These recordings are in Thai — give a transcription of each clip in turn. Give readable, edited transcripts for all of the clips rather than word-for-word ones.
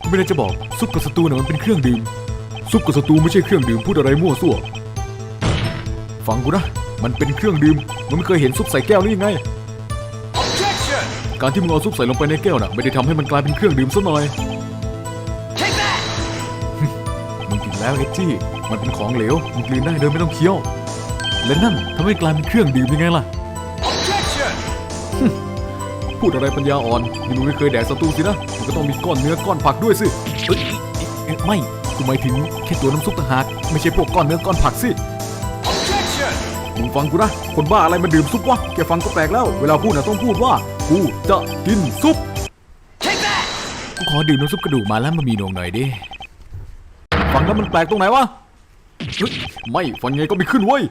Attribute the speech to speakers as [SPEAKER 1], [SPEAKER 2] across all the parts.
[SPEAKER 1] ไม่ได้จะบอกซุปกับสตูน่ะมันเป็นเครื่องดื่มซุปกับสตูไม่ใช่เครื่องดื่มพูดอะไรมั่วซั่วฟังกูนะมันเป็นเครื่องดื่มมึงไม่เคยเห็นซุปใส่แก้วหรือยังไง
[SPEAKER 2] Objection!
[SPEAKER 1] การที่มึงเอาซุปใส่ลงไปในแก้วน่ะไม่ได้ทำให้มันกลายเป็นเครื่องดื่มซะหน่อย
[SPEAKER 2] Take that!
[SPEAKER 1] มึงกินแล้วเอ็ดจี้มันเป็นของเหลวมึงกลืนได้โดยไม่ต้องเคี้ยวและนั่นทำให้กลายเป็นเครื่องดื่มยังไงล่ะ
[SPEAKER 2] Objection!
[SPEAKER 1] พูดอะไรปัญญาอ่อนนี่มึงไม่เคยแดกสตูสินะมันก็ต้องมีก้อนเนื้อก้อนผักด้วยสิไม่กูหมายถึงแค่ตัวน้ำซุปต่างหากไม่ใช่พวกก้อนเนื้อก้อนผักสิ
[SPEAKER 2] Objection!
[SPEAKER 1] มึงฟังกูนะคนบ้าอะไรมาดื่มซุปวะแกฟังก็แปลกแล้วเวลาพูดน่ะต้องพูดว่ากูจะกินซุป
[SPEAKER 2] Take that!
[SPEAKER 1] กูขอดื่มน้ำซุปกระดูกมาแล้วมันมีนมหน่อยดิฟังแล้วมันแปลกตรงไหนวะเฮ้ยไม่ฟังไงก็ไม่ขึ้นเว้ย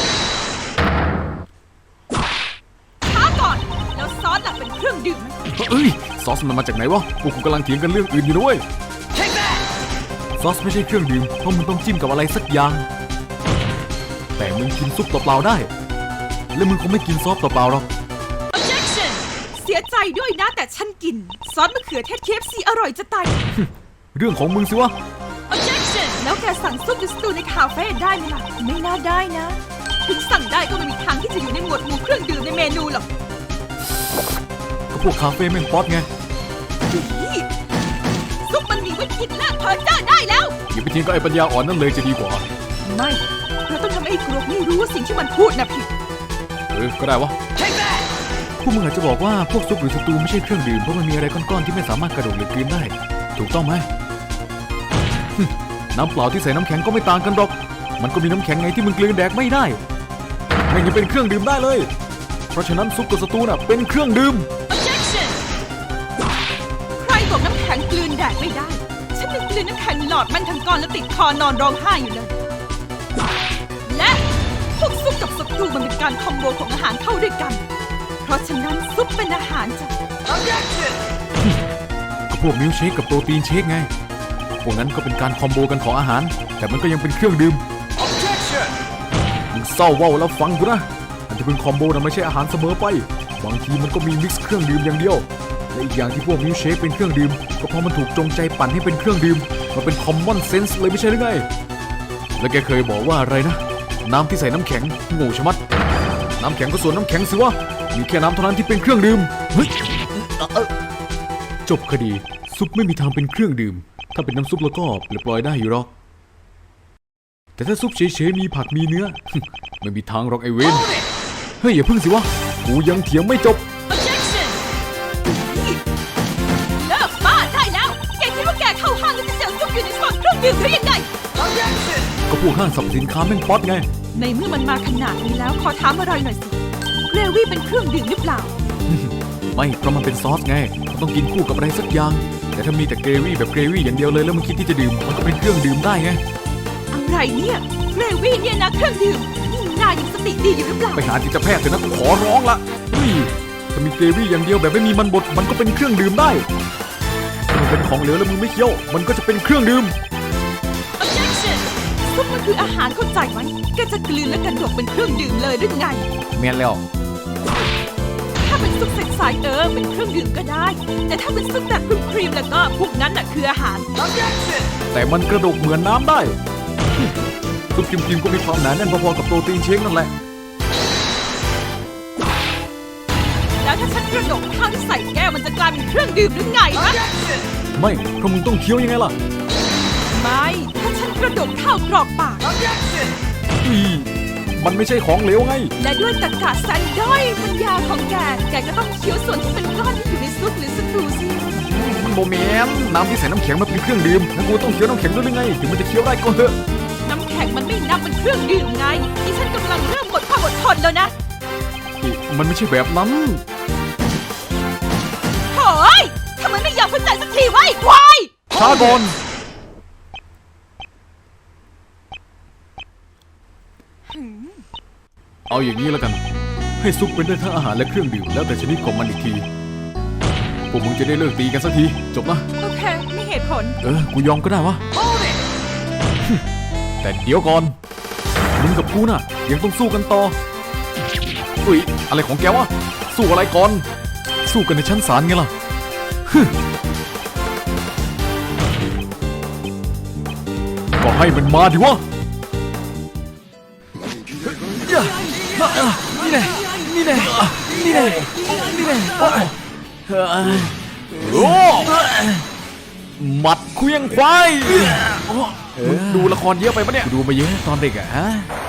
[SPEAKER 3] ช้าก่อนแล้วซอสล่ะเป็นเครื่องดื่ม
[SPEAKER 1] เอ้ยซอสมันมาจากไหนวะพวกกูกำลังเถียงกันเรื่องอื่นอยู่นะเว้ย
[SPEAKER 2] Take that!
[SPEAKER 1] ซอสไม่ใช่เครื่องดื่มเพราะมึงต้องจิ้มกับอะไรสักอย่างแต่มึงกินซุปเปล่าๆได้และมึงคงไม่กินซอสเปล่าๆหรอก
[SPEAKER 3] Objection เสียใจด้วยนะแต่ฉันกินซอสมะเขือเทศ KFC อร่อยจะตาย
[SPEAKER 1] เรื่องของมึงสิวะ
[SPEAKER 3] Objection แล้วแกสั่งซุปหรือสตูในคาเฟ่ได้ไหมล่ะไม่น่าได้นะถึงสั่งได้ก็ไม่มีทางที่จะอยู่ในหมวดหมู่เครื่องดื่มในเมนูหรอก
[SPEAKER 1] ก็พวกคาเฟ่แม่งป๊อตไง
[SPEAKER 3] นี่ซุปมันมีไว้คิดและเพ้อเจ้อได้แล้ว
[SPEAKER 1] อย่าไปทิ้งก็ไอ้ปัญญาอ่อนนั่นเลยจะดีกว่า
[SPEAKER 3] ไม่เราต้องทำให้ไอ้กรกนี่รู้ว่าสิ่งที่มันพูดน่ะผิด
[SPEAKER 1] ก็ได้วะ
[SPEAKER 2] Take that!
[SPEAKER 1] พวกมึงอาจจะบอกว่าพวกซุปหรือสตูไม่ใช่เครื่องดื่มเพราะมันมีอะไรก้อนๆที่ไม่สามารถกระดกหรือกลืนได้ถูกต้องไหมน้ำเปล่าที่ใส่น้ำแข็งก็ไม่ต่างกันหรอกมันก็มีน้ำแข็งไงที่มึงกลืนแดกไม่ได้ไม่ยังเป็นเครื่องดื่มได้เลยเพราะฉะนั้นซุปกับสตูน่ะเป็นเครื่องดื่ม
[SPEAKER 3] Objection ใครบอกน้ำแข็งกลืนแดดไม่ได้ ฉันยังกลืนน้ำแข็งหลอดมันทั้งก้อนแล้วติดคอนอนร้องไห้อยู่เลย และพวกซุปกับสตูมันเป็นการคอมโบของอาหารเข้าด้วยกัน เพราะฉะนั้นซุปเป็นอาหารจ้ะ
[SPEAKER 2] Objection!
[SPEAKER 1] ก็พวกมิลค์เชคกับโปรตีนเชคไงพวกนั้นก็เป็นการคอมโบกันของอาหารแต่มันก็ยังเป็นเครื่องดื่ม
[SPEAKER 2] Objection!
[SPEAKER 1] มึงเศร้าเว้าแล้วฟังกูนะมันจะเป็นคอมโบนะไม่ใช่อาหารเสมอไปบางทีมันก็มีมิกซ์เครื่องดื่มอย่างเดียวและอีกอย่างที่พวกมิลค์เชคเป็นเครื่องดื่มก็เพราะมันถูกจงใจปั่นให้เป็นเครื่องดื่มมันเป็นคอมมอนเซนส์เลยไม่ใช่หรือไงแล้วแกเคยบอกว่าอะไรนะน้ำที่ใส่น้ำแข็งโง่ชะมัดน้ำแข็งก็ส่วนน้ำแข็งสิวะมีแค่น้ำเท่านั้นที่เป็นเครื่องดื่มเฮ้ยจบคดีซุปไม่มีทางเป็นเครื่องดื่มถ้าเป็นน้ำซุปแล้วก็ปล่อยได้อยู่หรอกแต่ถ้าซุปเฉยๆมีผักมีเนื้อ ไม่มีทางหรอกไอเวน
[SPEAKER 2] Hold it!
[SPEAKER 1] เฮ้ยอย่าพึ่งสิวะกูยังเถียงไม่จบ
[SPEAKER 3] Objection เลิกบ้าได้แล้ว แกคิดว่าแกเข้าห้างแล้วจะเจอซุปอยู่ในซองเครื่องดื่มหรือยังไง
[SPEAKER 2] Objection!
[SPEAKER 1] ก็พวกห้างสรรพสินค้าแม่งป๊อตไง
[SPEAKER 3] ในเมื่อมันมาขนาดนี้แล้วขอถามอะไรหน่อยสิเกรวี่เป็นเครื่องดื่มหรือเปล่า
[SPEAKER 1] ไม่เพราะมันเป็นซอสไงมันต้องกินคู่กับอะไรสักอย่างแต่ถ้ามีแต่เกรวี่แบบเกรวี่อย่างเดียวเลยแล้วมึงคิดที่จะดื่มมันก็เป็นเครื่องดื่มได้ไง
[SPEAKER 3] อะไรเนี่ยเกรวี่เนี่ยนะเครื่องดื่มนี่นายยังสติดีอยู่หรือเปล่า
[SPEAKER 1] ไปหาจิตแพทย์เถอะนะกูขอร้องละเฮ้ยถ้ามีเกรวี่อย่างเดียวแบบไม่มีมันบดมันก็เป็นเครื่องดื่มได้ถ้ามันเป็นของเหลวแล้วมึงไม่เคี้ยวมันก็จะเป็นเครื่องดื่ม
[SPEAKER 3] Objection ซุปมันคืออาหารเข้าใจไหมแกจะกลืนและกระดกเป็นเครื่องดื่มเลยหรือไง
[SPEAKER 1] แม่นแล้ว
[SPEAKER 3] ถ้าเป็นซุปใสๆเป็นเครื่องดื่มก็ได้ แต่ถ้าเป็นซุปแบบครีมๆแล้วก็พวกนั้นน่ะคืออาหาร
[SPEAKER 2] Objection!
[SPEAKER 1] แต่มันกระดกเหมือนน้ำได้ซุปครีมๆก็มีความหนาแน่นพอๆกับโปรตีนเชคนั่นแหละ
[SPEAKER 3] แล้วถ้าฉันกระดกข้าวที่ใส่แก้วมันจะกลายเป็นเครื่องดื่มหรือไงนะ
[SPEAKER 2] Objection!
[SPEAKER 1] ไม่เพราะมึงต้องเคี้ยวยังไงล่ะ
[SPEAKER 3] ไม่ถ้าฉันกระดกข้าวกรอกปาก
[SPEAKER 2] Objection!
[SPEAKER 1] อีมันไม่ใช่ของเหลวไง
[SPEAKER 3] และด้วยตรรกะแสนด้อยปัญญาของแกก็ต้องเคี้ยวส่วนที่เป็นก้อนที่อยู่ในซุปหรือสตูสิ
[SPEAKER 1] มันโบแมนน้ำที่ใส่น้ำแข็งมันเป็นเครื่องดื่มแล้วกูต้องเคี้ยวน้ำแข็งด้วยหรือไงถึงมันจะเคี้ยวได้ก็เถอะ
[SPEAKER 3] น้ำแข็งมันไม่นับเป็นเครื่องดื่มไงที่ฉันกำลังเริ่มหมดความอดทนแล้วนะ
[SPEAKER 1] อีมันไม่ใช่แบบนั้น
[SPEAKER 3] โถ่ยทำไมไม่ยอมเข้าใจสักทีวะไอ้ควาย
[SPEAKER 1] ช้าก่อนเอาอย่างนี้แล้วกัน ให้ซุปเป็นได้ทั้งอาหารและเครื่องดื่มแล้วแต่ชนิดของมันอีกทีพวกมึงจะได้เลิกตีกันสักทีจบนะ
[SPEAKER 3] โอเคมีเหตุผล
[SPEAKER 1] กูยอมก็ได้วะ
[SPEAKER 2] Hold it!
[SPEAKER 1] แต่เดี๋ยวก่อนมึงกับกูน่ะยังต้องสู้กันต่ออุ้ยอะไรของแกวะสู้อะไรก่อนสู้กันในชั้นศาลไงล่ะก็ให้มันมาดิวะนี่แน่นี่แน่นี่แน่นี่แน่โอ้หมัดเคลี้ยงควายดูละครเยอะไปปะเนี่ยดูมาเยอะตอนเด็กอะฮะ